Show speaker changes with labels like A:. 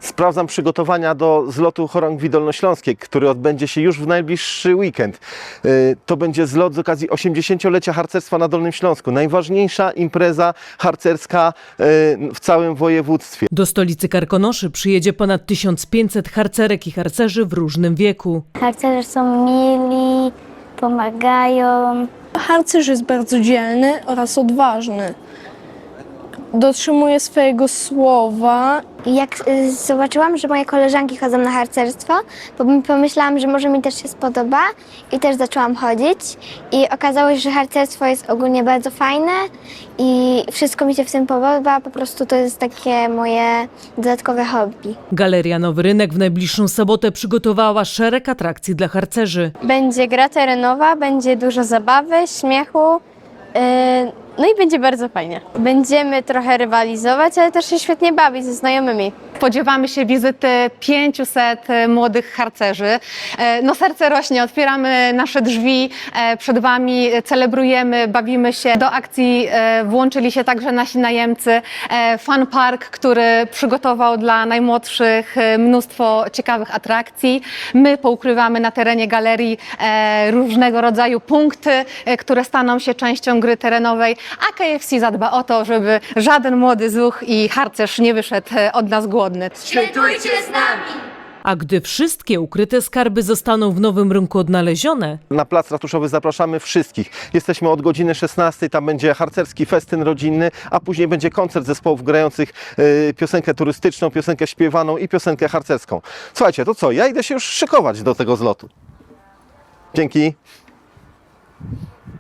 A: Sprawdzam przygotowania do zlotu Chorągwi Dolnośląskiej, który odbędzie się już w najbliższy weekend. To będzie zlot z okazji 80-lecia harcerstwa na Dolnym Śląsku. Najważniejsza impreza harcerska w całym województwie.
B: Do stolicy Karkonoszy przyjedzie ponad 1500 harcerek i harcerzy w różnym wieku.
C: Harcerze są mili, pomagają.
D: Harcerz jest bardzo dzielny oraz odważny. Dotrzymuje swojego słowa.
C: Jak zobaczyłam, że moje koleżanki chodzą na harcerstwo, pomyślałam, że może mi też się spodoba i też zaczęłam chodzić. I okazało się, że harcerstwo jest ogólnie bardzo fajne i wszystko mi się w tym podoba, po prostu to jest takie moje dodatkowe hobby.
B: Galeria Nowy Rynek w najbliższą sobotę przygotowała szereg atrakcji dla harcerzy.
E: Będzie gra terenowa, będzie dużo zabawy, śmiechu, no i będzie bardzo fajnie. Będziemy trochę rywalizować, ale też się świetnie bawić ze znajomymi.
F: Spodziewamy się wizyty 500 młodych harcerzy. No serce rośnie, otwieramy nasze drzwi przed Wami, celebrujemy, bawimy się. Do akcji włączyli się także nasi najemcy. Fun Park, który przygotował dla najmłodszych mnóstwo ciekawych atrakcji. My poukrywamy na terenie galerii różnego rodzaju punkty, które staną się częścią gry terenowej, a KFC zadba o to, żeby żaden młody zuch i harcerz nie wyszedł od nas głodny.
C: Świętujcie z nami!
B: A gdy wszystkie ukryte skarby zostaną w Nowym Rynku odnalezione,
A: Na plac ratuszowy zapraszamy wszystkich. Jesteśmy od godziny 16, tam będzie harcerski festyn rodzinny, a później będzie koncert zespołów grających piosenkę turystyczną, piosenkę śpiewaną i piosenkę harcerską. Słuchajcie, to co? Ja idę się już szykować do tego zlotu. Dzięki.